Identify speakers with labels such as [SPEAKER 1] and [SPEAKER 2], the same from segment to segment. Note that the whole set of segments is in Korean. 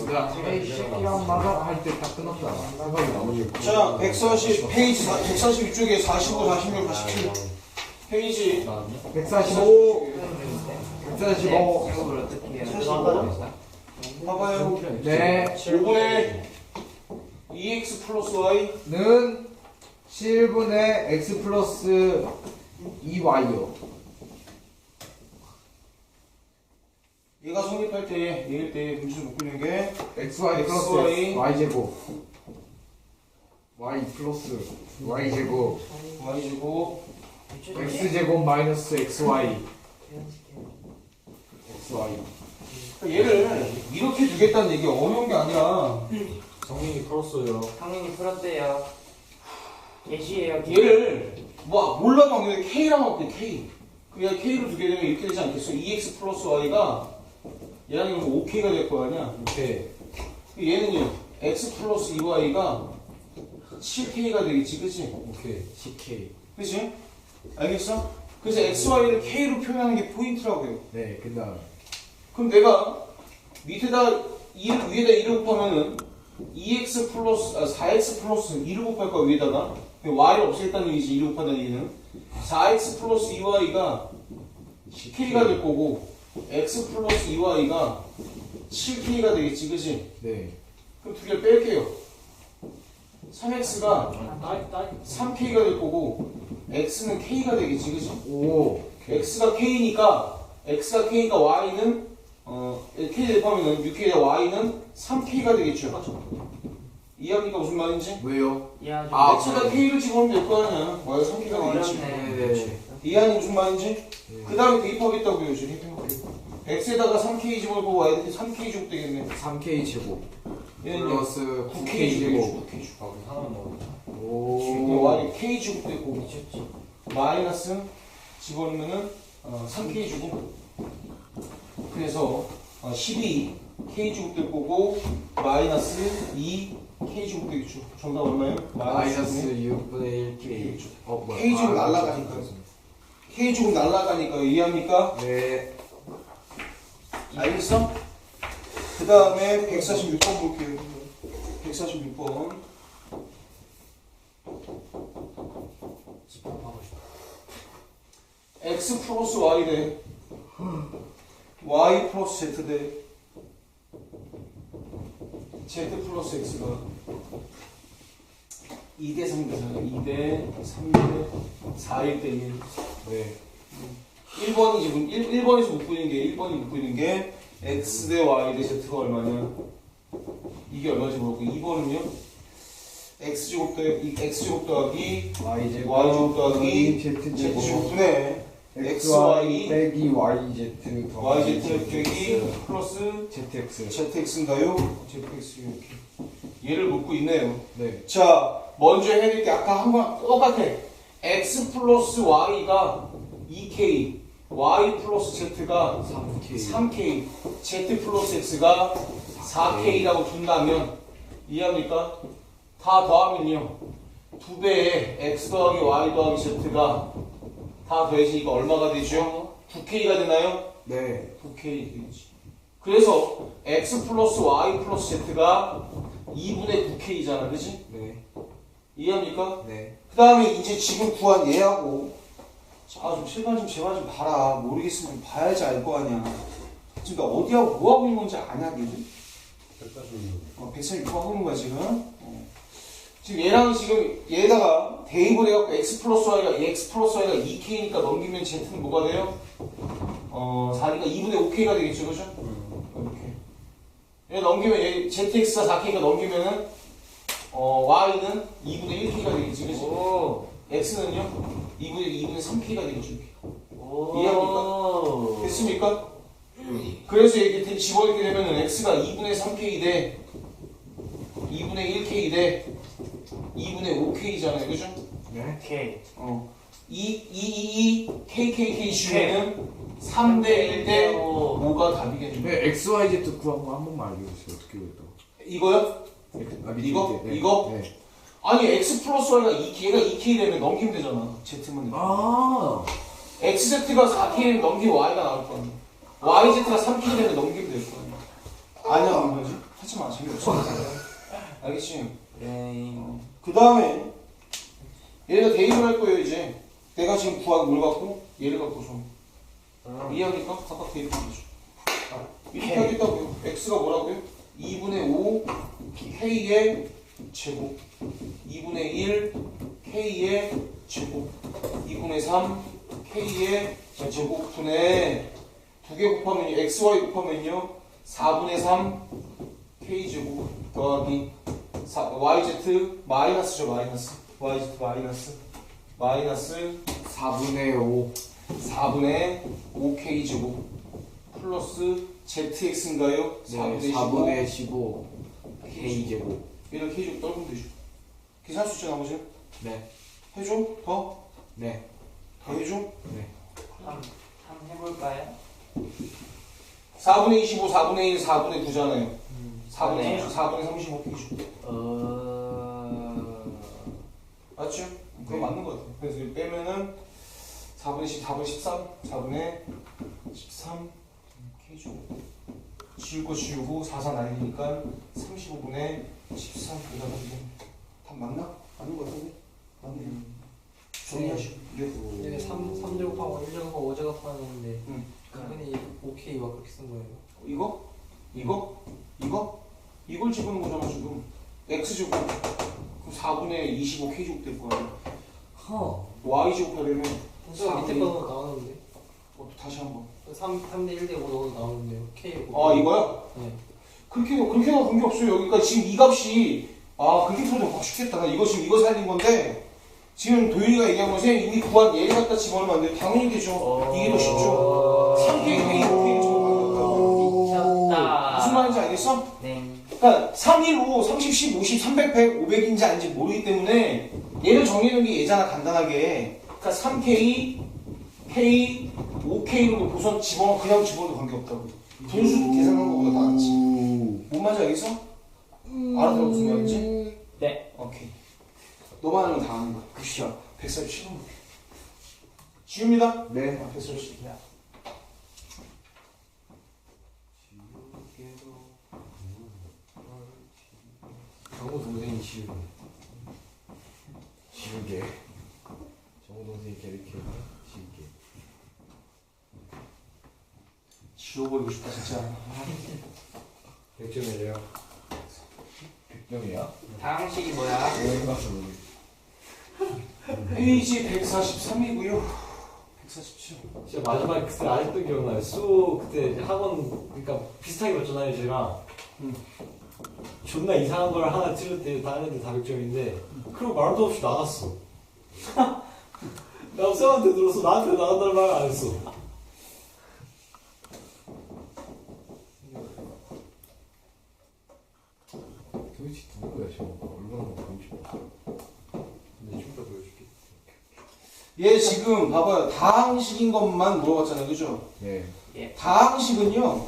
[SPEAKER 1] 시간마다 할 때 딱 끊었잖아. 생각이 나머지.
[SPEAKER 2] 자, 140 페이지 142쪽에 45, 46, 47 페이지
[SPEAKER 1] 145. 145.
[SPEAKER 2] 봐봐요.
[SPEAKER 1] 네.
[SPEAKER 2] 5분의 2x 플러스 y
[SPEAKER 1] 는 7분의 x 플러스 2y요.
[SPEAKER 2] 얘가 성립할 때 얘일 때 문제를 못 푸는 게
[SPEAKER 1] xy 플러스
[SPEAKER 2] XY.
[SPEAKER 1] y제곱. y 플러스 y제곱.
[SPEAKER 2] y제곱
[SPEAKER 1] x제곱 마이너스 xy. xy.
[SPEAKER 2] 얘를 이렇게 두겠다는 얘기 어려운 게 아니라
[SPEAKER 3] 성민이 풀었어요.
[SPEAKER 4] 당연히 풀었대요. 예시예요.
[SPEAKER 2] 얘를 뭐 몰라도 안 되는데 k랑 할게 k 그냥 k로 두게 되면 이렇게 되지 않겠어? 2x 플러스 y가 얘랑 이거 5k가 될 거 아니야?
[SPEAKER 3] 오케이.
[SPEAKER 2] 얘는요 x 플러스 2y가 7k가 되겠지 그치?
[SPEAKER 3] 오케이. CK.
[SPEAKER 2] 그치? 알겠어? 그래서 xy를 k로 표현하는 게 포인트라고요.
[SPEAKER 1] 네, 그 다음.
[SPEAKER 2] 그럼 내가 밑에다 2를 위에다 1을 곱하면은 2x 플러스 4x 플러스 2를 곱할 거야 위에다가 y를 없애겠다는 얘기지 2를 곱한다는 얘기는 4x 플러스 2y가 10k가 될 거고 x 플러스 2y가 7k가 되겠지 그치?
[SPEAKER 1] 네.
[SPEAKER 2] 그럼 두 개를 뺄게요 3x가 3k가 될 거고 x는 k가 되겠지 그치?
[SPEAKER 1] 오.
[SPEAKER 2] x가 k니까 y는 k 대입하면은 6k에 y는 3k가 되겠죠. 이해합니까 무슨 말인지?
[SPEAKER 1] 왜요?
[SPEAKER 4] 이해하죠.
[SPEAKER 2] x가 k를 집어넣으면 될 거 아니야. y가 3k가 되겠지.
[SPEAKER 4] 어렵네.
[SPEAKER 2] 이해하니 무슨 말인지? 그 다음에 대입하겠다고요 지금. x에다가 3k 집어넣고 y한테 3k 제곱 되겠네.
[SPEAKER 1] 3k 제곱.
[SPEAKER 2] 얘는
[SPEAKER 1] 플러스
[SPEAKER 2] 9k
[SPEAKER 1] 9k
[SPEAKER 2] 제곱.
[SPEAKER 1] 제곱.
[SPEAKER 2] 9k 제곱.
[SPEAKER 3] 아, 우리 하나만 먹어.
[SPEAKER 1] 오.
[SPEAKER 2] y k 제곱 되고
[SPEAKER 4] 미쳤지.
[SPEAKER 2] 마이너스 집어넣으면은 3k 제곱. 그래서 12 k 제곱 될 거고 마이너스 2 k 제곱 되겠죠. 정답 얼마예요?
[SPEAKER 1] 마이너스 6분의 1k. 뭐야?
[SPEAKER 2] k 제곱 날라가니까. k 제곱 날라가니까 이해합니까?
[SPEAKER 1] 네.
[SPEAKER 2] 알겠어? 그 다음에 146번 볼게요. 146번.
[SPEAKER 4] 집합하고 싶어.
[SPEAKER 2] x 플러스 y 대 y 플러스 z 대 z 플러스 x가 2대 3대잖아. 2대 3대 4일 대 1.
[SPEAKER 1] 네.
[SPEAKER 2] 1번이 지금 1번에서 못 보이는 게 1번이 못 보이는 게 x 대 y 대 z가 얼마냐? 이게 얼마인지 모르고 2번은요? x제곱 더하기 y제곱 더하기 z제곱분의 xy
[SPEAKER 1] 빼기 yz
[SPEAKER 2] yz 빼기 플러스
[SPEAKER 1] zx.
[SPEAKER 2] zx인가요? zx 이렇게 얘를 묻고 있네요.
[SPEAKER 1] 네.
[SPEAKER 2] 자 먼저 해야 될 게 아까 한 번 똑같아. x 플러스 y가 2k y 플러스 z가
[SPEAKER 1] 3k.
[SPEAKER 2] 3k z 플러스 x가 4k라고 둔다면 이해합니까? 다 더하면요 2배의 x 더하기 y 더하기 z가 다 더해지니까 얼마가 되죠? 9k가 되나요?
[SPEAKER 1] 네.
[SPEAKER 2] 9k 되겠지. 그래서 x 플러스 y 플러스 z가 2분의 9k잖아 그치?
[SPEAKER 1] 네.
[SPEAKER 2] 이해합니까?
[SPEAKER 1] 네.
[SPEAKER 2] 그 다음에 이제 지금 구한 얘하고 좀 실반 좀 제발 좀 봐라. 모르겠으면 좀 봐야지 알 거 아니야. 지금 나 어디하고 뭐하고 있는 건지 아냐 그지? 146번 하고 있는 거야 지금. 지금 얘랑 지금 얘에다가 대입을 해갖고 x 플러스 y가 2k니까 넘기면 z는 뭐가 돼요? 4니까 2분의 5k가 되겠죠 그죠? 이렇게 얘 넘기면 얘 zx가 4k니까 넘기면은 y는 2분의 1k가 되겠지 그지?
[SPEAKER 4] 오.
[SPEAKER 2] x는요? 2분의 3k가 되겠죠 이렇게.
[SPEAKER 4] 오.
[SPEAKER 2] 이해합니까? 됐습니까? 그래서 이렇게 집어넣게 되면은 x가 2분의 3k 대 2분의 1k 대 2분의 5k잖아요 그죠?
[SPEAKER 1] 네.
[SPEAKER 4] 오케이.
[SPEAKER 2] KKK 중에는 3대 1 대 5가 답이겠죠.
[SPEAKER 1] 네. XYZ 구한 거 한 번만 알려주세요. 어떻게 그랬다.
[SPEAKER 2] 이거요?
[SPEAKER 1] 아, 밑에,
[SPEAKER 2] 이거?
[SPEAKER 1] 밑에. 네.
[SPEAKER 2] 이거?
[SPEAKER 1] 네.
[SPEAKER 2] 아니 x 플러스 y가 2k, 얘가 2k 되면 넘기면 되잖아. z만.
[SPEAKER 1] 아.
[SPEAKER 2] xz가 4k 되면 넘기면 y가 나올 거 아니야. yz가 3k 되면 넘기면 될 거 아니야. 아니야, 안 되지? 하지마 재미없어. 알겠지?
[SPEAKER 4] 네.
[SPEAKER 2] 그 다음에 얘가 대입을 할 거예요 이제. 내가 지금 구한 뭘 갖고 얘를 갖고서 이해하니까 각각 대입하면 되죠. 이렇게 하겠다고요. x가 뭐라고요? 2분의 5 k의 제곱 2분의 1 k의 제곱 2분의 3 k의 제곱 분의 두 개 곱하면 xy 곱하면요 4분의 3 k제곱 더하기 yz 마이너스죠 마이너스 yz 마이너스
[SPEAKER 1] 4분의 5
[SPEAKER 2] 4분의 5k제곱 플러스 zx인가요?
[SPEAKER 1] 네,
[SPEAKER 2] 4분의
[SPEAKER 1] 4분의 15 K제곱.
[SPEAKER 2] 얘를 k제곱 떨구면 되죠. 계산할 수 있죠 나머지는?
[SPEAKER 1] 네.
[SPEAKER 2] 해줘? 더?
[SPEAKER 1] 네.
[SPEAKER 2] 더 해줘?
[SPEAKER 1] 네.
[SPEAKER 4] 한번 해볼까요?
[SPEAKER 2] 4분의 25, 4분의 1, 4분의 9잖아요. 4분의
[SPEAKER 4] 그러네요.
[SPEAKER 2] 4분의 35 k죠. 맞죠? 그거
[SPEAKER 1] 네.
[SPEAKER 2] 맞는 것 같아요. 그래서 이거 빼면은 4분의 10, 4분의 13, 4분의 13 k죠. 지울 거 지우고 4, 4 날리니까 35분의 13 답 맞나? 맞는 것 같은데? 맞네요. 정리하시고
[SPEAKER 3] 얘네 3제곱하고 1제곱하고 5제곱 하는데
[SPEAKER 2] 응.
[SPEAKER 3] 그분이 OK와 그렇게 쓴 거예요.
[SPEAKER 2] 이거? 이걸 집어넣은 거잖아 지금. x제곱 그럼 4분의 25 k제곱 될 거 아니야.
[SPEAKER 3] 허.
[SPEAKER 2] y제곱 하려면
[SPEAKER 3] 분수가 밑에 거도 나오는데
[SPEAKER 2] 다시 한번
[SPEAKER 3] 3대 1대 5 넣어도 나오는데요. K.
[SPEAKER 2] 아 이거야?
[SPEAKER 3] 네.
[SPEAKER 2] 그렇게 나온 관계 없어요. 여기까지 지금 이 값이 그렇게 풀어도 확 쉽겠다. 나 이거 지금 이거 살린 건데 지금 도윤이가 얘기한 것은 이미 구한 얘를 갖다 집어넣으면 안 돼요. 당연히 되죠. 이게 더 쉽죠. 3K, K, 5K를 집어넣는
[SPEAKER 4] 미쳤다.
[SPEAKER 2] 무슨 말인지 알겠어?
[SPEAKER 4] 네.
[SPEAKER 2] 그러니까 3, 1, 5, 30, 10, 50, 300, 100, 500인지 아닌지 모르기 때문에 얘를 정리하는 게 얘잖아 간단하게. 그러니까 3K, K, 5K로 보선 그냥 집어넣어도 관계없다고. 분수 계산한 것보다 다 낫지. 뭔 말인지 알겠어? 알아들어 무슨 말인지?
[SPEAKER 4] 네.
[SPEAKER 2] 오케이. 너만 하면 다 아는 거야. 그시야. 147번. 지웁니다.
[SPEAKER 1] 네.
[SPEAKER 2] 147.
[SPEAKER 3] 정우 동생이 지우고.
[SPEAKER 1] 지우개.
[SPEAKER 3] 정우 동생이 걔를 키우고 지우개.
[SPEAKER 2] 지워버리고 싶다 진짜.
[SPEAKER 3] 100점이래요.
[SPEAKER 1] 100점이야?
[SPEAKER 4] 다음식이 뭐야?
[SPEAKER 1] 왜 가서
[SPEAKER 2] 페이지 143이고요. 147.
[SPEAKER 3] 진짜 마지막에 그때 아직도 기억나요. 수 그때 이제 학원 그러니까 비슷하게 봤잖아요 제가. 존나 이상한 걸 하나 틀릴 때 다른 애들 다 100점인데 그리고 말도 없이 나갔어. 나 쌤한테 들었어. 나한테 나간다는 말 안 했어.
[SPEAKER 1] 도대체 누구야 저거? 얼마나 보고 싶어.
[SPEAKER 3] 근데 좀 더 보여줄게.
[SPEAKER 2] 얘 지금 봐봐요. 다항식인 것만 물어봤잖아요. 그죠?
[SPEAKER 1] 네.
[SPEAKER 2] 다항식은요.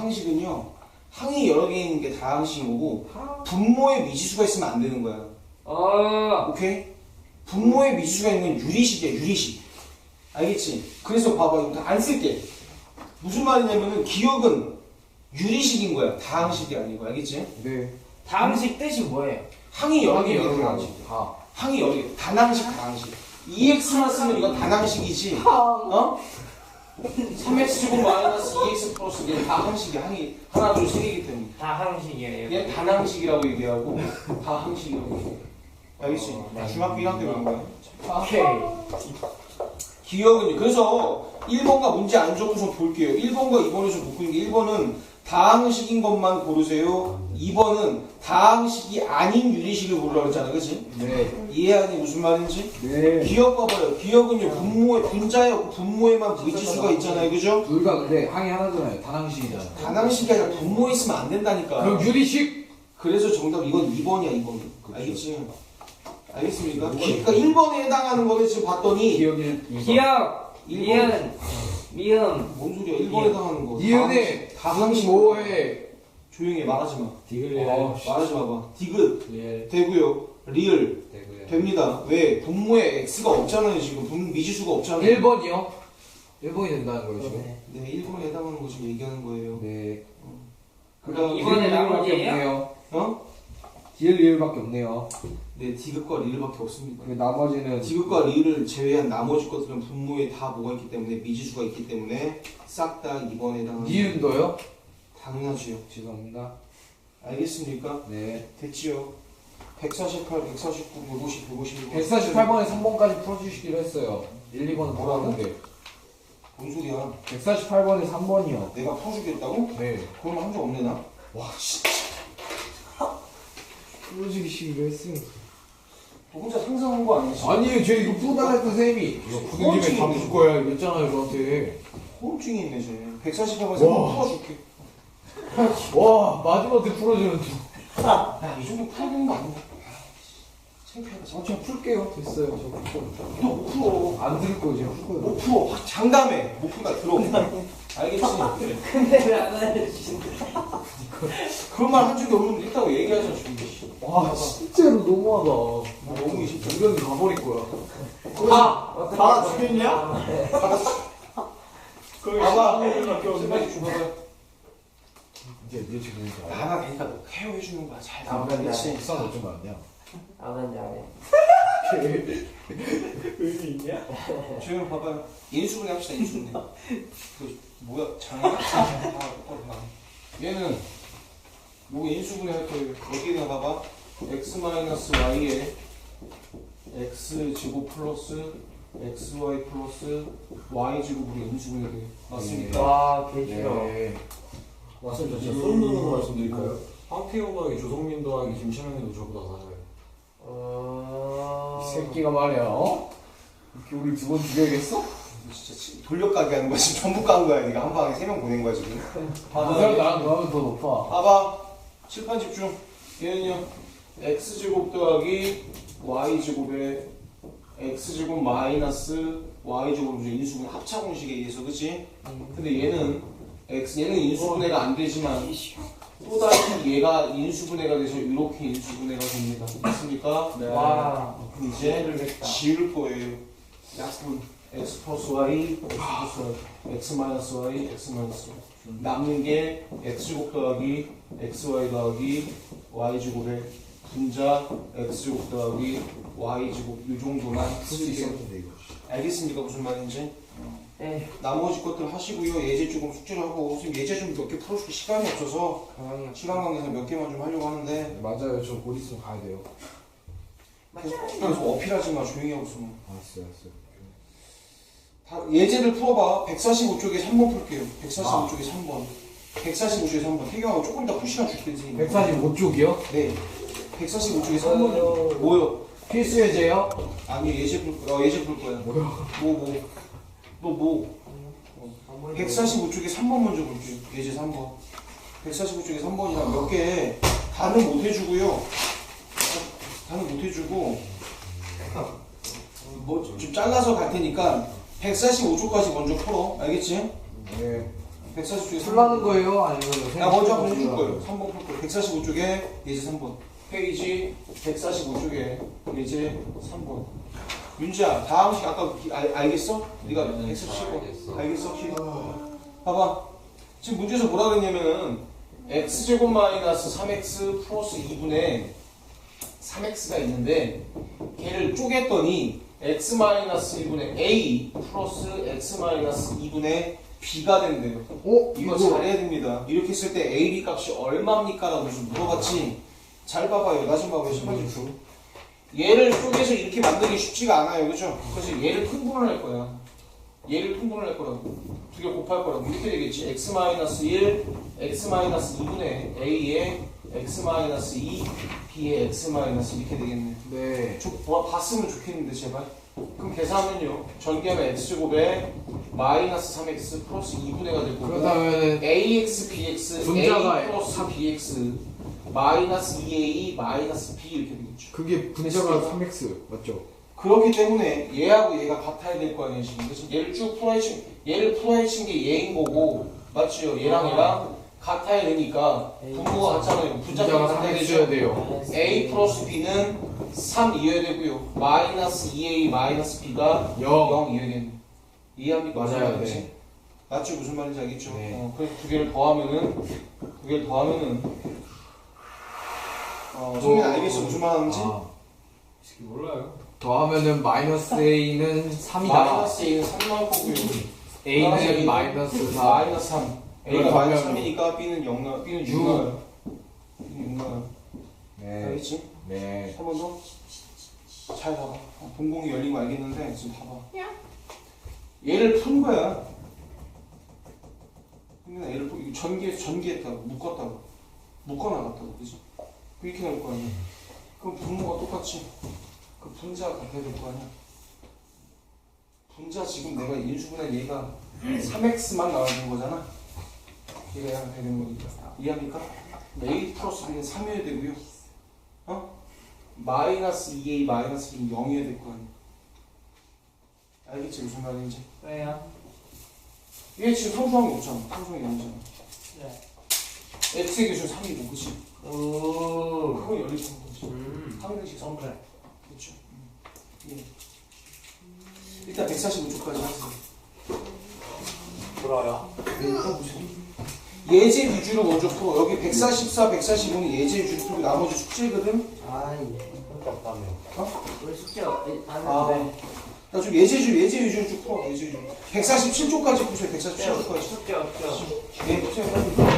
[SPEAKER 2] 항이 여러 개 있는 게 다항식인 거고 분모에 미지수가 있으면 안 되는 거야. 오케이? 분모에 미지수가 있는 건 유리식이야. 유리식. 알겠지? 그래서 봐봐. 이거 안 쓸게. 무슨 말이냐면은 기억은 유리식인 거야. 다항식이 아니고. 알겠지?
[SPEAKER 1] 네.
[SPEAKER 4] 다음식 뜻이 뭐예요?
[SPEAKER 2] 항이 여러 개
[SPEAKER 1] 여러
[SPEAKER 2] 있는
[SPEAKER 1] 개
[SPEAKER 2] 다항식.
[SPEAKER 1] 다.
[SPEAKER 2] 항이 여러 개. 단항식, 다항식. EX만 쓰면 이건 단항식이지. 어? 3x제곱 마이너스 2x 플러스 얘는 다항식이야. 항이 하나, 둘, 세 개이기 때문에.
[SPEAKER 4] 다항식이에요.
[SPEAKER 2] 얘는 단항식이라고 얘기하고 다항식이라고 얘기해. 알겠지? 중학교 1학년 때 그런 거야.
[SPEAKER 4] 오케이.
[SPEAKER 2] 기억은요. 그래서 1번과 문제 안 적어서 볼게요. 1번과 2번을 좀 묶는 게 1번은 다항식인 것만 고르세요. 2번은 다항식이 아닌 유리식을 고르라고 했잖아. 그치?
[SPEAKER 1] 네.
[SPEAKER 2] 이해하니 무슨 말인지?
[SPEAKER 1] 네.
[SPEAKER 2] 기억 봐봐요. 기억은요. 분모에 분자에 없고 분모에만 미지수가 있잖아요. 그죠?
[SPEAKER 1] 둘 다 근데 항이 하나잖아요. 단항식이잖아요.
[SPEAKER 2] 단항식이 아니라 분모에 있으면 안 된다니까.
[SPEAKER 1] 그럼 유리식.
[SPEAKER 2] 그래서 정답 이건 2번이야. 2번. 알겠지? 알겠습니까? 그러니까 1번에 해당하는 거를 지금 봤더니
[SPEAKER 1] 기억이
[SPEAKER 4] 기억.
[SPEAKER 2] 1번
[SPEAKER 4] 미음.
[SPEAKER 2] 뭔 소리야? 1번에 해당하는 거.
[SPEAKER 1] 이은혜
[SPEAKER 2] 다항식.
[SPEAKER 1] 뭐해?
[SPEAKER 2] 조용히 해. 말하지 마.
[SPEAKER 3] 디글리엘.
[SPEAKER 2] 말하지 마봐. 디귿
[SPEAKER 3] 리엘.
[SPEAKER 2] 되고요. 리을
[SPEAKER 3] 되고요.
[SPEAKER 2] 됩니다. 왜? 분모에 x가 없잖아요. 지금 미지수가 없잖아요.
[SPEAKER 1] 1번이요? 1번이 된다는 거예요 지금?
[SPEAKER 2] 네, 1번에 해당하는 거 지금 얘기하는 거예요.
[SPEAKER 1] 네.
[SPEAKER 2] 그다음
[SPEAKER 4] 이번에 나머지예요?
[SPEAKER 1] 없네요. 디귿 리을밖에 없네요.
[SPEAKER 2] 네, 디귿과 리을밖에 없습니다.
[SPEAKER 1] 그 나머지는
[SPEAKER 2] 디귿과 리을을 제외한 나머지 것들은 분모에 다 뭐가 있기 때문에 미지수가 있기 때문에 싹 다 2번에 해당합니다.
[SPEAKER 1] 니은도요?
[SPEAKER 2] 당연하지요.
[SPEAKER 1] 죄송합니다.
[SPEAKER 2] 알겠습니까?
[SPEAKER 1] 네.
[SPEAKER 2] 됐지요. 148, 149, 150, 151.
[SPEAKER 1] 148번에 3번까지 풀어주시기로 했어요. 1, 2번은 풀었는데.
[SPEAKER 2] 뭔 소리야?
[SPEAKER 1] 148번에 3번이요.
[SPEAKER 2] 내가 풀어주겠다고?
[SPEAKER 1] 네.
[SPEAKER 2] 그럼 한 적 없네 나.
[SPEAKER 1] 와 진짜. 풀어주기시기로 했으니까.
[SPEAKER 2] 너 혼자 상상한 거 아니지?
[SPEAKER 1] 아니에요, 쟤 이거 풀어달라 했던 쌤이. 이거 푸는 김에 다 풀 거야 이랬잖아요, 저한테.
[SPEAKER 2] 호흡증이 있네 쟤. 148번에서
[SPEAKER 1] 와.
[SPEAKER 2] 한번 풀어줄게.
[SPEAKER 1] 와, 마지막에 풀어주는 중.
[SPEAKER 2] 야, 이 정도 풀어주는 거 아닌가? 창피하다.
[SPEAKER 1] 그냥 풀게요. 됐어요. 저 풀 거예요.
[SPEAKER 2] 너못 풀어.
[SPEAKER 1] 안 들을 거예요, 제가 풀 거예요.
[SPEAKER 2] 못 풀어. 확 장담해. 못 푼다. 들어. 알겠지?
[SPEAKER 4] 근데 왜 안 알려주시는
[SPEAKER 2] 그런 말 한 적이 없는데 있다고 얘기하자 지금.
[SPEAKER 1] 와, 진짜로 너무하다.
[SPEAKER 2] 너무 진짜.
[SPEAKER 1] 이건 가버릴 거야.
[SPEAKER 3] 다 죽였냐?
[SPEAKER 2] 봐봐. 제발 좀 봐봐.
[SPEAKER 1] 이제 지금
[SPEAKER 2] 나나 되니까 너 케어해주는 거야. 잘 나와.
[SPEAKER 4] 네.
[SPEAKER 2] 그렇지?
[SPEAKER 1] 국산 어쩌면 안 돼요?
[SPEAKER 4] 아는 잘해.
[SPEAKER 3] 의미 있냐?
[SPEAKER 2] 조용 봐봐요. 인수분해 합시다. 인수분해. 그 뭐야? 장난? 똑바로 봐. 얘는 요거 인수분해 할 거예요. 여기다 봐봐. x-y에 x 제곱 플러스 xy 플러스 y 제곱으로 인수분해 돼요. 맞습니까?
[SPEAKER 4] 와, 개 싫어.
[SPEAKER 1] 네.
[SPEAKER 3] 맞습니다. 진짜 소름 돋는 거 말씀드릴까요? 황태호 더하기 조성민 더하기 김철현이도 저보다 낮아요.
[SPEAKER 1] 이 새끼가 말이야, 어? 이렇게 우리 두 번 죽여야겠어?
[SPEAKER 2] 진짜 돌려가게 하는 거야. 지금 전부 깐 거야. 네가 한 방에 3명 보낸 거야 지금.
[SPEAKER 1] 그 사람 나랑 너하면 더 높아.
[SPEAKER 2] 봐봐. 칠판 집중. 얘는요. x제곱 더하기 y제곱에 x제곱 마이너스 y제곱 인수분해 합차 공식에 의해서 그치? 근데 얘는 얘는 인수분해가 안 되지만 또다시 얘가 인수분해가 돼서 이렇게 인수분해가 됩니다. 됐습니까?
[SPEAKER 1] 네.
[SPEAKER 4] 와,
[SPEAKER 2] 그럼 이제 지울 거예요. 약분 x 플러스 y, x 플러스 y, x 마이너스 y, x 마이너스 y. 남는 게 x제곱 더하기 xy 더하기 y제곱에 분자 x제곱 더하기 y제곱 이 정도만
[SPEAKER 1] 풀 수
[SPEAKER 2] 쓸게요.
[SPEAKER 1] 있었는데 이거.
[SPEAKER 2] 알겠습니까? 무슨 말인지?
[SPEAKER 4] 에,
[SPEAKER 2] 나머지 것들 하시고요. 예제 조금 숙제를 하고 선생님 예제 좀 몇 개 풀어줄 시간이 없어서
[SPEAKER 4] 가만히
[SPEAKER 2] 시간 관계상 몇 개만 좀 하려고 하는데
[SPEAKER 1] 네, 맞아요, 저 곧 있으면 가야 돼요.
[SPEAKER 2] 그래서 어필하지 마. 조용히 하고 있으면.
[SPEAKER 1] 알았어요, 알았어요.
[SPEAKER 2] 다 예제를 풀어봐. 145쪽에 3번 풀게요. 145쪽에 3번. 145쪽에 3번. 태경하고 조금 이따 푸시간 줄게 선생님.
[SPEAKER 1] 145쪽이요?
[SPEAKER 2] 네. 145쪽에 3번이요. 뭐요?
[SPEAKER 1] 필수 예제요?
[SPEAKER 2] 아니 예제 풀 거야. 예제 풀 거야.
[SPEAKER 1] 뭐야?
[SPEAKER 2] 너 뭐? 145쪽에 3번 먼저 볼게요. 예제 3번. 145쪽에 3번이랑 몇 개 다는 못 해주고요. 다는 못 해주고 뭐 좀 잘라서 갈 테니까 145쪽까지 먼저 풀어. 알겠지?
[SPEAKER 1] 네.
[SPEAKER 2] 145쪽에
[SPEAKER 1] 풀라는 거예요? 아니면
[SPEAKER 2] 나 먼저 한번 해줄 거예요. 3번 풀 거예요. 145쪽에 예제 3번. 페이지 145쪽에 예제 3번. 윤지야, 다음 식 아까 알겠어? 네가 엑셀 शी고 알겠어? 키. 봐봐. 지금 문제에서 뭐라 그랬냐면은 x제곱 마이너스 3x 플러스 2분의 3x가 있는데 걔를 쪼갰더니 x 마이너스 1분의 a 플러스 x 마이너스 2분의 b가 된대요. 이거 잘해야 됩니다. 이렇게 했을 때 a, b 값이 얼마입니까? 라고 좀 물어봤지. 잘 봐봐요. 나 좀 봐봐요. 신발 좀 줘. 얘를 쪼개서 이렇게 만들기 쉽지가 않아요. 그죠? 그래서 얘를 푼분을 할 거야. 얘를 푼분을 할 거라고. 두 개 곱할 거라고. 이렇게 되겠지. x-1, x-2분의 a에 x-2, b에 x- 이렇게 되겠네.
[SPEAKER 1] 네.
[SPEAKER 2] 봤으면 좋겠는데 제발. 그럼 계산하면요. 전개하면 x제곱에 마이너스 3x 플러스 2분의가 될 거고
[SPEAKER 1] 그렇다면은
[SPEAKER 2] ax, bx,
[SPEAKER 1] 분자가
[SPEAKER 2] a 플러스 bx 마이너스 2a 마이너스 b 이렇게 되겠죠.
[SPEAKER 1] 그게 분자가 3x 맞죠?
[SPEAKER 2] 그렇기 때문에 얘하고 얘가 같아야 될 거 아니에요 지금. 그래서 얘를 쭉 풀어헤친 얘를 풀어헤친 게 얘인 거고 맞죠? 얘랑 얘랑 같아야 되니까 분모가 같잖아요. 분자가
[SPEAKER 1] 분자가
[SPEAKER 2] 같아야
[SPEAKER 1] 3x여야
[SPEAKER 2] 되죠.
[SPEAKER 1] 돼요.
[SPEAKER 2] a 플러스 b는 3이어야 되고요. 마이너스 2a 마이너스 b가
[SPEAKER 1] 0.
[SPEAKER 2] 0이어야 되는. 이해합니까? 무슨
[SPEAKER 1] 맞아요,
[SPEAKER 2] 말인지?
[SPEAKER 1] 네.
[SPEAKER 2] 맞죠? 무슨 말인지 알겠죠?
[SPEAKER 1] 네.
[SPEAKER 2] 그래서 두 개를 더하면은 성민 알겠어 무슨 말 하는지?
[SPEAKER 3] 몰라요.
[SPEAKER 1] 더하면은 마이너스 A는 3이다.
[SPEAKER 2] 마이너스 A는 3 나올 거고요.
[SPEAKER 1] A는 마이너스 4.
[SPEAKER 2] 마이너스 3. A가
[SPEAKER 1] 이걸
[SPEAKER 2] 마이너스
[SPEAKER 1] 더하면
[SPEAKER 2] 3이니까 B는 0 나와. B는 6
[SPEAKER 1] 육.
[SPEAKER 2] 나와요. B는 6 나와요.
[SPEAKER 1] 네.
[SPEAKER 2] 알겠지?
[SPEAKER 1] 네.
[SPEAKER 2] 한 번 더. 잘 봐봐. 동공이 열린 거 알겠는데 지금 봐봐. 얘를 푼 거야. 근데 얘를 이거 전개했다고 묶었다고 묶어나갔다고 그지? 이렇게 나올 거 아니야. 그럼 분모가 똑같이 그 분자가 같아야 될 거 아니야. 분자 지금 내가 인수분해 얘가 3x만 나와주는 거잖아. 얘가 약간 되는 거니까 이해합니까? a 플러스 b는 3이어야 되고요. 마이너스 2a 마이너스 b는 0이어야 될 거 아니야. 알겠지 무슨 말인지?
[SPEAKER 4] 왜요?
[SPEAKER 2] 얘 지금 상수항이 없잖아. 상수항이 아니잖아.
[SPEAKER 4] 네.
[SPEAKER 2] x의 기준 3이고 그치?
[SPEAKER 4] 오.
[SPEAKER 2] 그거 열릴 수 있는 거지.
[SPEAKER 4] 음.
[SPEAKER 2] 상대식 성
[SPEAKER 4] 그래.
[SPEAKER 2] 그렇죠. 예. 일단 145초까지 하세요.
[SPEAKER 3] 돌아요.
[SPEAKER 2] 예제 위주로 먼저 풀어. 여기 144, 145는 예제 위주로 풀고 나머지 숙제거든.
[SPEAKER 4] 아이.
[SPEAKER 3] 없다며.
[SPEAKER 4] 우리 숙제
[SPEAKER 2] 아,
[SPEAKER 4] 하는데.
[SPEAKER 2] 나 좀 예제 위주로 쭉 풀어. 예제 위주로. 147초까지 푸세요. 147초까지.
[SPEAKER 4] 숙제 없죠.
[SPEAKER 2] 네, 푸세요.